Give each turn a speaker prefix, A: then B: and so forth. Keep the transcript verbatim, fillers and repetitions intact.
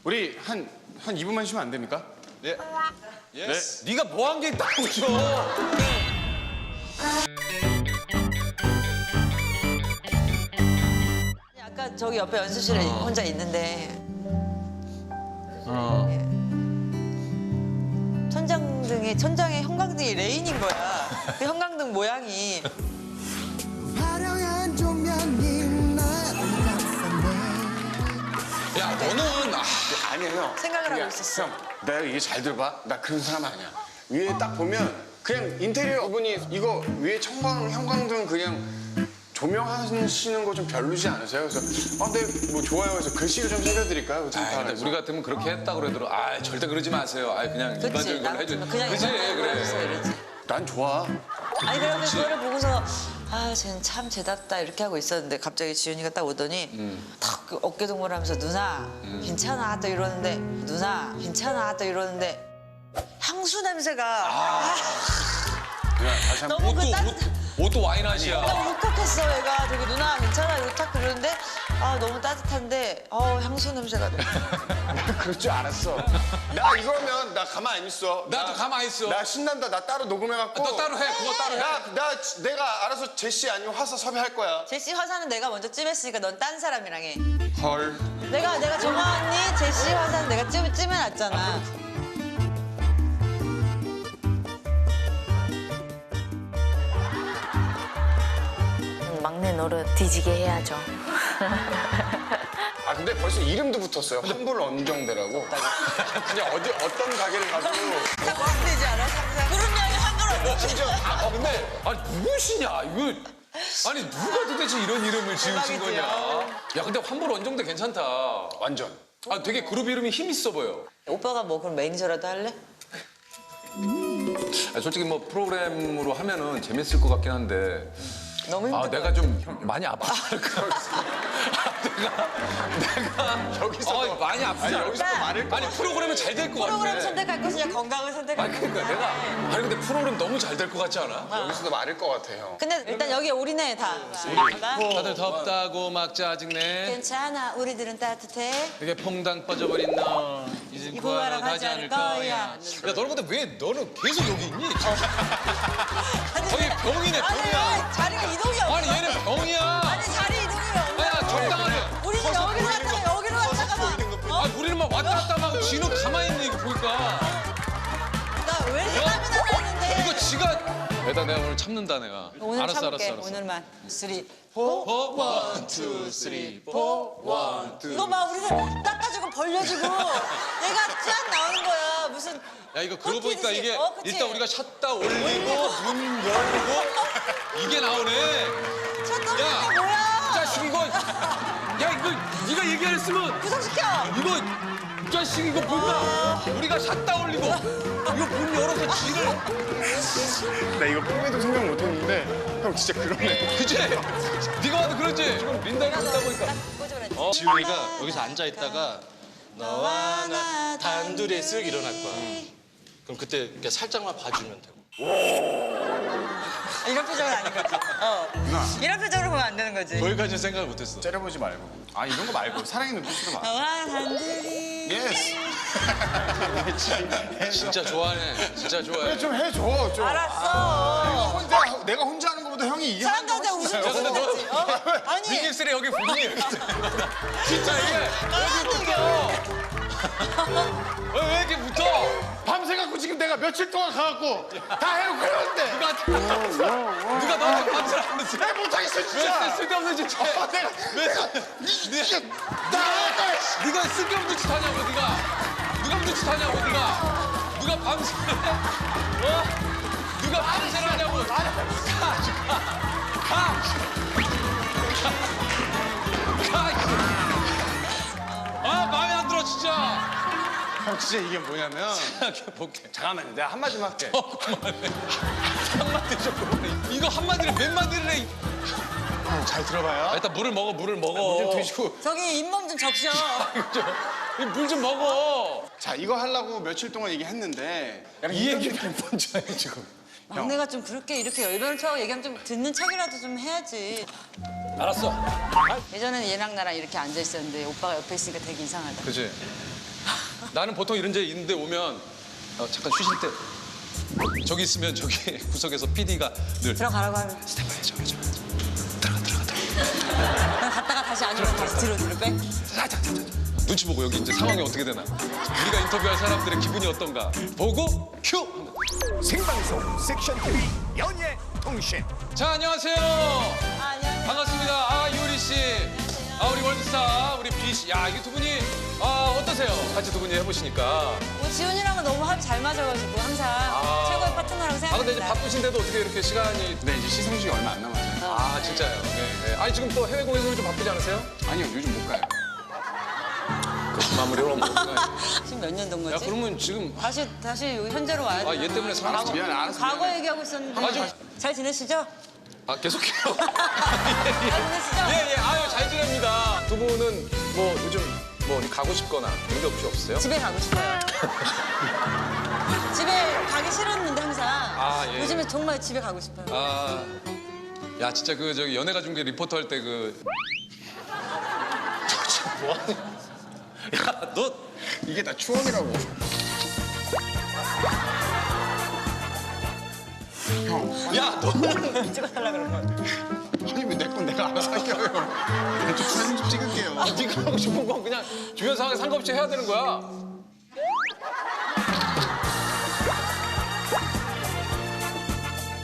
A: 우리 한, 한 이 분만 쉬면 안 됩니까?
B: 네.
C: 예스. 네가 뭐 한 게 있다고 줘.
D: 아까 저기 옆에 연습실에 혼자 있는데
C: 어.
D: 예. 천장등에 천장에 형광등이 레인인 거야. 그 형광등 모양이
E: 화려한 조명이 날
C: 야 너는 아,
A: 아니야, 형.
D: 생각을 하고
A: 그냥,
D: 있었어.
A: 형, 내가 이게 잘 들어봐. 나 그런 사람 아니야. 위에 딱 보면 그냥 인테리어 분이 이거 위에 청광, 형광등 그냥 조명하시는 거 좀 별로지 않으세요? 그래서 아, 네, 뭐 좋아요. 그래서 글씨를 좀 새겨드릴까요?
C: 아 근데 우리 같으면 그렇게 했다 그러더라도 아 절대 그러지 마세요. 아 그냥
D: 그치
C: 일반적인
D: 나
C: 걸로 해줘.
D: 같으면 그냥
C: 그치
D: 일반적으로
C: 그래.
D: 해주세요, 이러지.
A: 난 좋아.
D: 아니 그런데 그거를 보고서 아 쟤는 참 죄답다 이렇게 하고 있었는데 갑자기 지윤이가 딱 오더니 탁그 어깨 동무하면서 누나 괜찮아 또 이러는데 누나 괜찮아 또 이러는데 향수 냄새가 아,
A: 그냥 다시 한 번.
D: 너무 그
C: 옷도
D: 따뜻
C: 옷, 옷도 와인 맛이야.
D: 너무 울컥했어 얘가 되게 누나 괜찮아 이러고 탁 그러는데 아 너무 따뜻한데 어 향수 냄새가 나.
A: 그럴 줄 알았어. 나 이거면 나 가만 안 있어.
C: 나도 가만히 있어.
A: 나 신난다. 나 따로 녹음해갖고.
C: 너 따로 해. 그거 따로 해.
A: 나, 나 내가 알아서 제시 아니면 화사 섭외할 거야.
D: 제시 화사는 내가 먼저 찜했으니까 넌 딴 사람이랑 해.
A: 헐.
D: 내가 내가 정화 언니 제시 화사는 내가 찜 찜해놨잖아.
F: 막내 노릇 뒤지게 해야죠.
A: 아 근데 벌써 이름도 붙었어요. 환불 언정대라고. 그냥 어디 어떤 가게를 가도
D: 상상되지 않아? 상상. 구름냥이 한글
A: 심지어 다
C: 아 근데 아니 누구시냐 이거. 아니 누가 도대체 이런 이름을 지으신 거냐. 야 근데 환불 원정대 괜찮다.
A: 완전.
C: 아 되게 그룹 이름이 힘 있어 보여.
D: 오빠가 뭐 그럼 매니저라도 할래?
C: 아, 솔직히 뭐 프로그램으로 하면은 재밌을 것 같긴 한데.
D: 너무 힘들어.
C: 아 내가 좀 많이 아파. 내가 내가
A: 여기서
C: 어, 많이 아프지 않아?
A: 여기서 또 말을
C: 아니 프로그램은 잘 될 것 같아.
D: 프로그램 선택할 것이냐 건강을 선택할
C: 아니
D: 것이냐.
C: 그러니까 내가 아니 근데 프로그램 너무 잘 될 것 같지 않아?
A: 여기서도 말을 것 같아요.
D: 근데 일단 여기 올인해 다. 나?
C: 다들 덥다고 막 짜증내.
D: 괜찮아 우리들은 따뜻해.
C: 이게 퐁당 빠져버린 너 이제
D: 구하러 가지 않을 거야.
C: 야 너는 근데 왜 너는 계속 여기 있니? 거의 병이네
D: 아니
C: 병이야.
D: 자리가 이동이 없어.
C: 아니 얘는 병이야.
D: 아니 자리 이동이 없어.
C: 아야 적당하게.
D: 우리는 여기로 갔다가 여기로 갔다가 막.
C: 아 우리는 막 왔다 갔다 하고 지는 가만히 있는 이거 보니까.
D: 나왜 사람이 나가는데?
C: 이거 지가. 애다 내가 오늘 참는다 내가.
D: 오늘
C: 알았어
D: 참을게.
C: 알았어 알았어.
D: 오늘만 쓰리.
C: 어? 원, 투, 쓰리, 포, 원, 투.
D: 이거 막 우리를 닦아주고 벌려주고 얘가 쫙 나오는 거야. 무슨
C: 야 이거 그러고 보니까
D: 콘티듯이.
C: 이게
D: 어, 그치?
C: 일단 우리가 샷다 올리고 문 열고 이게 나오네.
D: 쳤던
C: 야,
D: 게 뭐야?
C: 자식 이거 야 이거 네가 얘기 안 했으면
D: 구성시켜.
C: 이거 이 자식 이거 뭔가 우리가 샷다 올리고 이거 문 열어서 지를
A: 나 이거 꿈에도 생각 못했는데 형 진짜 그러네.
C: 그치? 네가 봐도 그러지? 지금 린다가 있다 보니까
D: 어?
B: 지훈이가 여기서 앉아 있다가 너와 나 단둘이 쓱 일어날 거야. 그럼 그때 이렇게 살짝만 봐주면 되고.
D: 이런 표정은 아닌 거지. 어. 이런 표정으로 보면 안 되는 거지.
B: 거기까지는 생각을 못했어.
A: 째려보지 말고. 아 이런 거 말고 사랑의 눈빛으로 봐.
D: 너와 단둘이.
A: 예스.
C: 진짜 좋아하네. 진짜 좋아해.
A: 그래 좀 해줘 좀.
D: 알았어.
A: 혼자 내가 혼자 하는 것보다 형이 이게 하는 게
D: 사람들한테
A: 훨씬
D: 웃음
A: 나아요.
D: 주는 거지. 어? 아니.
C: 빅엑스레 여기 분이 이렇게 진짜 이게 왜, 왜 이렇게 붙어?
A: 밤새 갖고 지금 내가 며칠 동안 가갖고 다 해놓고 그러는데
C: 누가 누가 너한테 밤새 안 했어?
A: 내가 못하겠어
C: 왜
A: 진짜.
C: 쓸데없는 짓 해?
A: 아, 내가
C: 왜
A: 이게 나가.
C: 네가 쓸데없는 짓 하냐고 네가 누가 무슨 짓 하냐고 네가 누가 밤새 어? 누가 밤새를 하냐고 가가가아 마음에 안 들어 진짜
A: 형 진짜 이게 뭐냐면
C: 볼게
A: 잠깐만 내가 한마디만 할게.
C: 어 그만해 한마디 좀 그만해 이거 한마디를 몇 마디를 해
A: 형 잘 들어봐요.
C: 일단 물을 먹어 물을 먹어
A: 좀 드시고.
D: 저기 잇몸 좀 적셔.
C: 물 좀 먹어
A: 자 이거 하려고 며칠 동안 얘기했는데 이 얘기 몇 번째 해 지금.
D: 막내가 좀 그렇게 이렇게 열변을 쳐고 얘기하면 좀 듣는 척이라도 좀 해야지.
C: 알았어
D: 예전에는 얘랑 나랑 이렇게 앉아 있었는데 오빠가 옆에 있으니까 되게 이상하다.
C: 그치 나는 보통 이런 데 있는데 오면 어, 잠깐 쉬실 때 저기 있으면 저기 구석에서 피디가 늘
D: 들어가라고 하면
C: 스탠바이 저기 저기 들어가 들어가 들어가
D: 그냥 갔다가 다시 아니면 다시 뒤로 뒤로 빼.
C: 자자자자 눈치 보고 여기 이제 상황이 어떻게 되나 우리가 인터뷰할 사람들의 기분이 어떤가 보고 큐.
G: 생방송 섹션 티비 연예 통신.
C: 자 안녕하세요.
D: 아, 안녕하세요.
C: 반갑습니다. 아 이효리 씨, 아 우리 월드스타 우리 비 씨, 야 이게 두 분이 아 어떠세요? 같이 두 분이 해보시니까.
D: 뭐 지훈이랑은 너무 합이 잘 맞아가지고 항상 최고의 파트너라고
C: 아 근데 이제
D: 생각합니다.
C: 바쁘신데도 어떻게 이렇게 시간이?
A: 네, 이제 시상식이 얼마 안 남았어요.
C: 아 진짜요. 네, 네. 아니 지금 또 해외 공연으로 좀 바쁘지 않으세요?
A: 아니요, 요즘 못 가요.
C: 마무리로 한번.
D: 지금 몇 년 된
C: 야
D: 거지?
C: 그러면 지금
D: 다시 다시 여기 현재로 와야 돼.
C: 아 얘 때문에 사람
D: 과거,
A: 미안해, 알았어,
D: 과거
A: 미안해.
D: 얘기하고 있었는데.
C: 아, 좀-
D: 잘 지내시죠?
C: 아 계속해요.
D: 잘 지내시죠?
C: 예예 아유 잘 지냅니다. 두 분은 뭐 요즘 뭐 어디 가고 싶거나 그런 게 혹시 없어요?
D: 집에 가고 싶어요. 집에 가기 싫었는데 항상.
C: 아, 예.
D: 요즘에 정말 집에 가고 싶어요.
C: 아, 야 진짜 그 저기 연예가 중계 리포터 할 때 그. 저 지금 뭐하냐? 야 너.
A: 이게 다 추억이라고. 형,
C: 야 너는
D: 찍어달라 그러면.
A: 아니 왜 내 건 내가 알아서 할게요. 좀 사진 좀 찍을게요.
C: 네가 하고 싶은 건 그냥 주변 상황에 상관없이 해야 되는 거야.